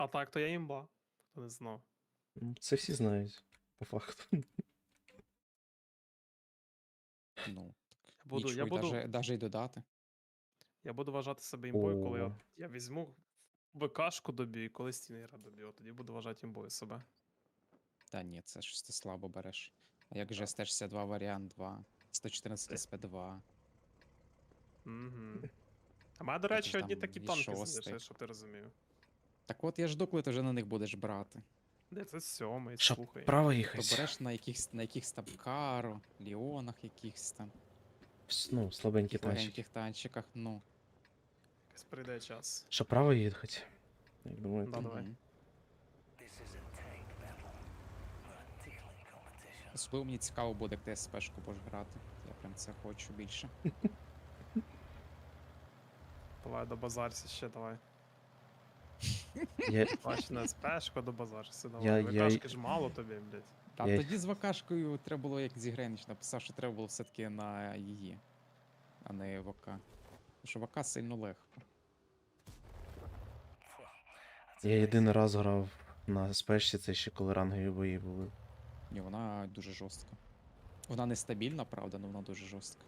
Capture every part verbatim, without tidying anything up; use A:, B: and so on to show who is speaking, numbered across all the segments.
A: А так, то я імба. Хто не знав.
B: Ну, це всі знають, по факту.
C: Ну,
A: Я буду,
C: нічого
A: я
C: й
A: буду,
C: даже, даже й додати.
A: я буду вважати себе імбою, коли
B: О.
A: от я візьму ВКшку доб'ю і коли стінера доб'ю, от тоді буду вважати імбою себе.
C: Та ні, це ж ти слабо береш. А як же ес шістдесят два варіант два, сто чотирнадцять ес пі два,
A: Угу. А мене, до
C: Це
A: речі,
C: ж
A: одні
C: там
A: такі
C: і
A: танки
C: шостий.
A: залишились, щоб ти розумів.
C: Так от я жду, коли ти вже на них будеш брати.
A: Де це сьомий,
B: Щоб
A: слухай.
B: право
C: То
B: їхати.
C: береш на якихось на якихось там Каро, Ліонах якихось там,
B: Ну, слабенькі
C: таких
B: танчики.
C: легеньких танчиках, ну.
A: Якось прийде час.
B: Щоб право їхати. Як думаєте?
A: Да, давай.
C: мгм. Особливо мені цікаво буде, як ти ес-пешку будеш грати. Я прям це хочу більше.
A: Давай до базарся ще, давай.
B: Я,
A: Бач, на спешку до базарся,
B: Я-
A: давай.
B: я-
A: ВКшки ж мало тобі, блядь.
C: Та
B: Я-
C: тоді з Вакашкою треба було, як Зігренич написав, що треба було все-таки на її, а не ВК. Тому що ВК сильно легко.
B: я єдиний раз грав на спешці, це ще коли рангові бої були.
C: Ні, вона дуже жорстка. Вона нестабільна, правда, але вона дуже жорстка.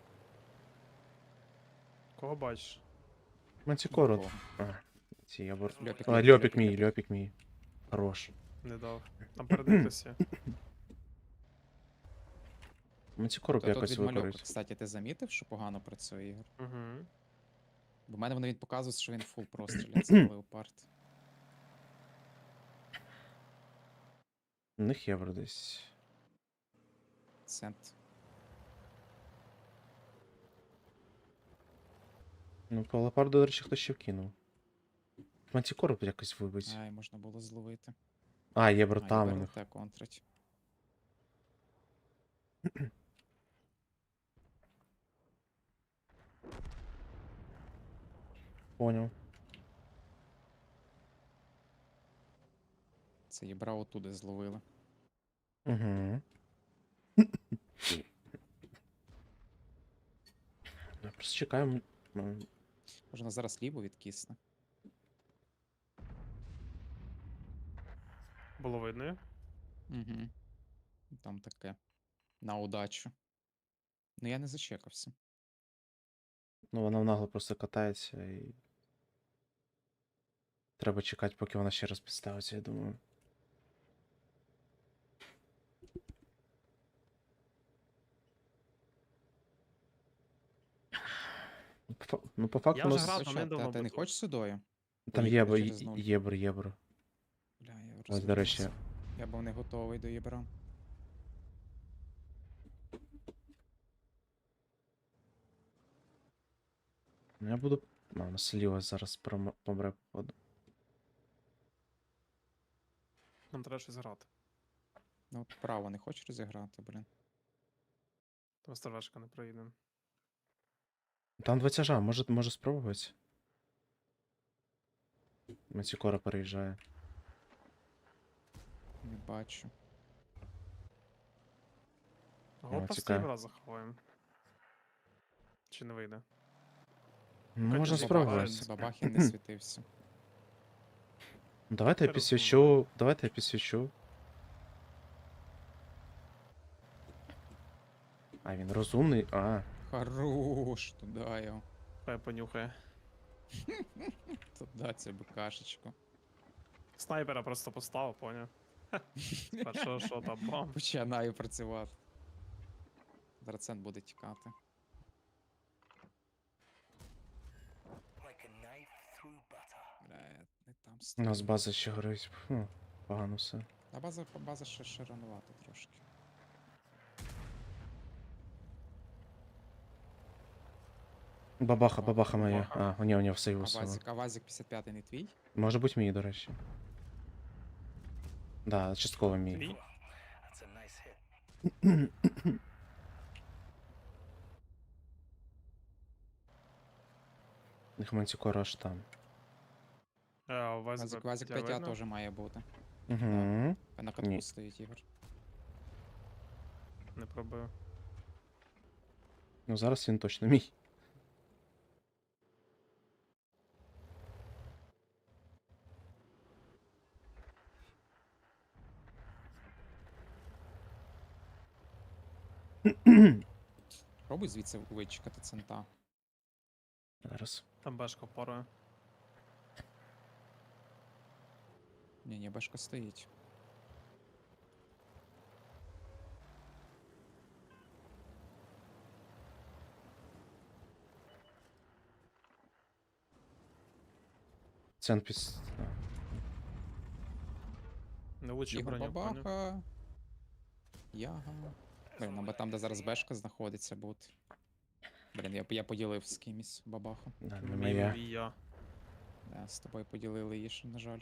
A: Кого бачиш?
B: Мантикору.
C: Нікого.
B: А, ці я бор...
C: Льопік,
B: А,
C: льопік,
B: льопік
C: льопік,
B: мій,
C: льопік.
B: льопік мій. Хорош.
A: Не дав. Там перед хтось є.
B: Мантикору б
C: То тут
B: якось
C: відмальовка,
B: використати.
C: кстати, ти замітив, що погано працює ігор?
A: Угу.
C: Бо в мене вони він показує, що він фул простріляє, це леопард.
B: У них євро десь.
C: Цент.
B: Ну, по леопарду, до речі, хтось ще вкинув. Мантикору б якось вибить.
C: Ай, можна було зловити.
B: А, євро
C: А,
B: там
C: і
B: у них.
C: БРТ контрить.
B: Поняв.
C: Це їбра отуди зловили.
B: Угу. Просто чекаємо. М,
C: Можна зараз ліву відкисне.
A: Було видно її?
C: Угу. Там таке. На удачу. Ну я не зачекався.
B: Ну, вона нагло просто катається і. Треба чекати, поки вона ще раз підставиться, я думаю. Ну, по фа- Ну, по факту,
A: Я
B: у
A: вже
B: нас
A: грав,
C: Хоча,
A: але не
C: та,
A: давно
C: ти не
A: буду.
C: хочеш сюдою?
B: там
C: Поїхали
B: євро,
C: через нуль.
B: євро, євро.
C: Бля, я
B: Ось, до речі.
C: розвернувся. Я був не готовий до єбра.
B: Ну, я буду. А, у нас ліва зараз промо- помре походу.
A: Нам треба щось грати.
C: Ну от право не хочеш розіграти, блін.
A: Там стражка не проїде.
B: Там два тяжа, може, може спробувати. Мантикора переїжджає.
C: Не бачу.
A: Го просто
B: цікаво.
A: євра заховаємо. Чи не вийде?
B: Ну,
A: Хоча
B: можна
A: б
B: спробувати.
A: бабахи.
C: Бабахін не світився.
B: Ну, давайте я
A: Я
B: підсвічу. Давайте я підсвічу. А, він розумний. А,
C: Хорош, туди його.
A: Хай понюхає.
C: Туди цю бекашечку.
A: Снайпера просто поставив, поняв. Першого шота, бам.
C: Починаю працювати. Драцен буде тікати. Бля, я не там
B: у
C: стою.
B: нас база ще горить. Фу, погано все.
C: А база, база ще, ще ранувато трошки.
B: Бабаха,
C: О,
B: бабаха моя.
A: бабаха.
B: А, у нього, у нього все
C: А
B: його сила.
C: Вазик, а Вазик п'ятдесят п'ятий не твій?
B: Може бути мій, до речі. Да, частково мій.
A: Твій?
B: Їх мантикора аж там.
A: Е, у вас
C: Вазик,
A: би
C: Вазик
A: тебе
C: п'ять А
A: видно?
C: теж має бути.
B: Угу.
C: На катку
B: Ні.
C: стоїть Ігор.
A: Не пробив.
B: Ну зараз він точно мій.
C: Пробуй звідси вичекати цента.
B: Зараз.
A: Там бешка парує.
C: Ні, ні, бешка стоїть.
B: Цен піс...
A: Не влучив
C: Ігор
A: броню, поняв?
C: Бабаха. Яга. Блін, або там, де зараз бешка знаходиться, бут. Блін, я, я поділив з кимось бабаху.
B: Да, не
A: Мій
B: моя.
A: і я.
C: Да, з тобою поділили її, ще, на жаль.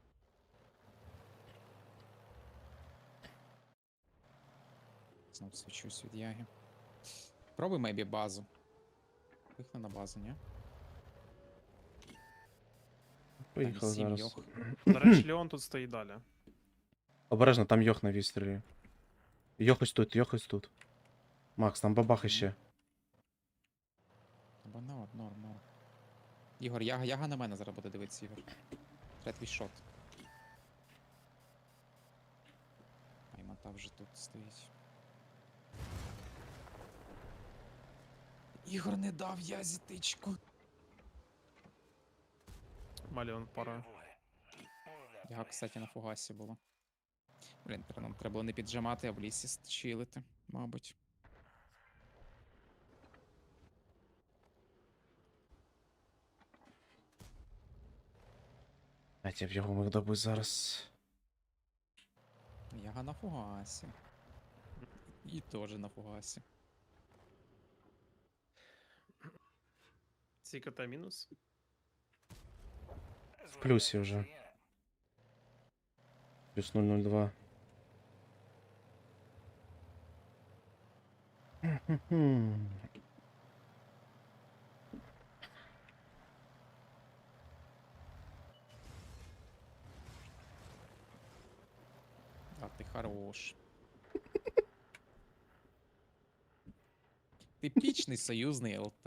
C: Знов свічусь від яги. Пробуй мейбі базу. Пихни на базу, ні?
B: Поїхали
C: сім
B: зараз.
C: йох.
A: До речі, Леон тут стоїть далі.
B: Обережно, там йох на вістрілі. Йох ось тут, йох ось тут. Макс, там бабах іще.
C: Або норм, норм, норм. Ігор, яга, яга на мене зараз буде дивитися, Ігор. Треба твій шот. Аймата вже тут стоїть. Ігор не дав язі тичку.
A: Маліон парує.
C: Яга, кстати, на фугасі було. Блін, тре- нам треба було не піджимати, а в лісі с- чилити, мабуть.
B: Блять, я б його міг добути зараз.
C: Яга на фугасі. І теж на фугасі.
A: Ці КТ мінус.
B: В плюсі вже. Плюс нуль нуль два. Хм.
C: А ти хорош. Типічний союзний ЛТ.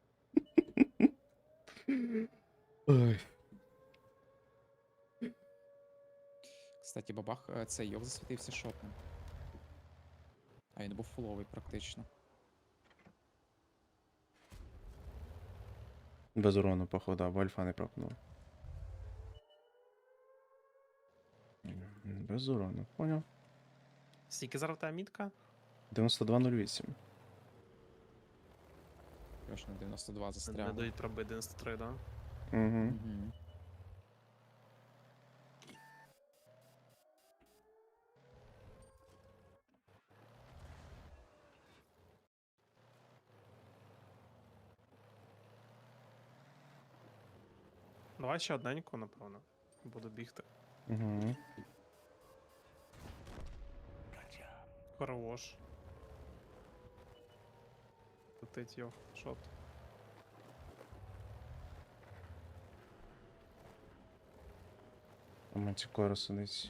B: Ой.
C: Кстати, бабах, е, цей йог засвітився шотним. А він був фуловий практично.
B: Без урону, походу, або альфа не пропнув. М, Без урону, поняв.
A: Скільки зараз та мітка?
B: дев'яносто два нуль вісім.
C: Точно дев'яносто два
A: Не
C: застряли.
A: дають проби дев'яносто три, да?
B: Угу.
C: Мгм.
A: Давай ще одненьку, напевно. Буду бігти.
B: Угу.
A: Хорош. Летить його. Шот.
B: У Мантикора сидить.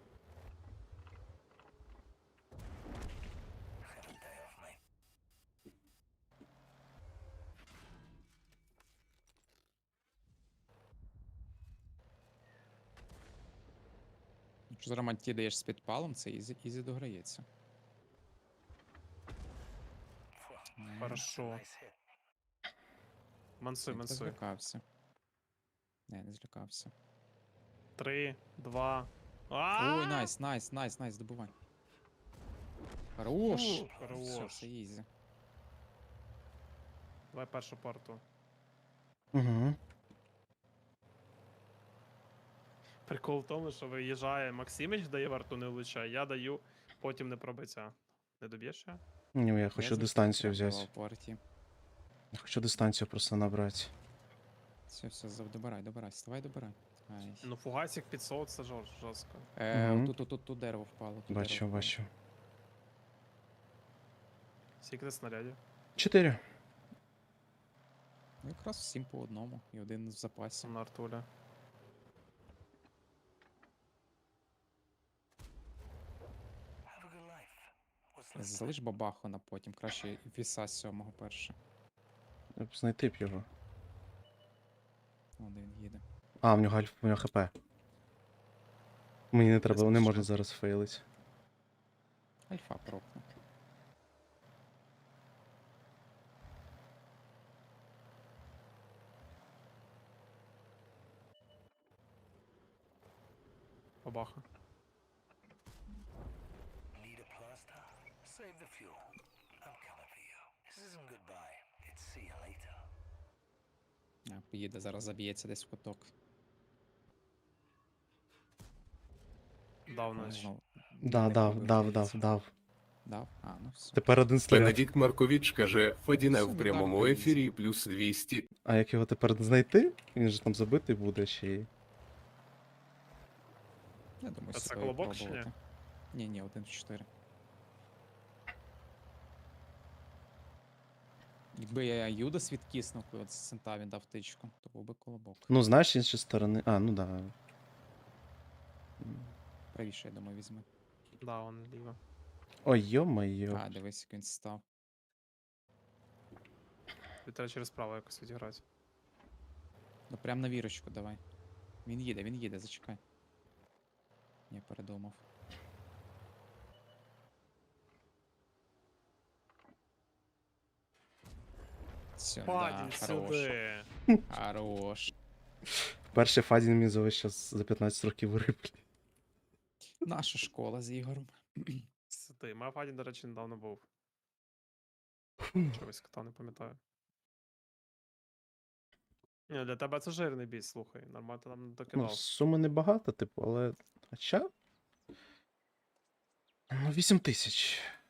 C: Якщо зараз манті даєш з підпалом, це ізі, ізі дограється. М,
A: Хорошо. Мансуй,
C: я
A: мансуй.
C: злякався. Не, не злякався.
A: Три, два.
C: Ой, найс, найс, найс, найс, добувай. Хорош!
A: Фу,
C: Все,
A: хорош.
C: все ізі.
A: Давай першу парту.
B: Угу.
A: Прикол в тому, що виїжджає Максимич, дає варту не влучає, я даю, потім не пробиття. Не доб'єш ще?
B: Ні, я хочу дистанцію взяти.
C: Партії.
B: Я хочу дистанцію просто набрати.
C: Все, все, зав- добирай, добирай, вставай, добирай. Ай.
A: Ну фугасик п'ятсот, це жор- жорстко.
C: Е,
B: Мгм.
C: тут, тут, тут, тут дерево впало. Тут
B: Бачу,
C: дерево впало.
B: бачу.
A: Скільки ти снарядів?
B: Чотири.
C: Ну якраз всім по одному. І один в запасі.
A: На артуля.
C: Залиш бабаху на потім, краще віса сьомого перше.
B: Я б знайти б його.
C: Вон де він їде.
B: А, в нього альф, в нього хп. Мені не треба, не
A: спішно.
B: можна зараз фейлити.
C: Альфа пропне.
A: бабаха.
D: Need a plaster? Save the fuel. I'm coming for you. This isn't goodbye. It's see you later.
C: А, поїде, зараз заб'ється десь в куток.
A: Дав
C: Ну,
A: наче.
C: знову.
B: Да,
C: Не
B: дав,
C: пробив,
B: дав,
C: здається.
B: дав, дав.
C: Дав? А, ну все.
B: Тепер один снаряд.
E: Бенедикт Маркович каже, Фадіне
C: Все,
E: в
C: не
E: прямому
C: так,
E: ефірі плюс двісті.
B: А як його тепер знайти? Він же там забитий буде ще й.
C: Я думаю,
A: А це
C: свої
A: колобок чи ні?
C: пробувати. Ні, ні, один в чотири. Якби я Юдас відкиснув, коли от з цента він дав тичку, то був би колобок.
B: Ну, знаєш, з іншої сторони. А, ну да.
C: Правіше, я думаю, візьме.
A: Да, он ліво.
B: Ой, йо-моє.
C: А, дивись, як він став.
A: Тобі треба через право якось відіграти.
C: Ну прям на вірочку давай. Він їде, він їде, зачекай. Я передумав. Все,
A: Падінь
C: да, хорош.
A: сюди.
C: Хорош.
B: Перший Фадін мені за щас за п'ятнадцять років вириплі.
C: Наша школа з Ігорем.
A: Сюди. Моя Фадін, до речі, недавно був. Чогось кота не пам'ятаю. Ні, для тебе це жирний бій, слухай. Нормально ти нам
B: Ну,
A: докидав.
B: суми небагато, типу, але. Хоча. Ну, вісім тисяч.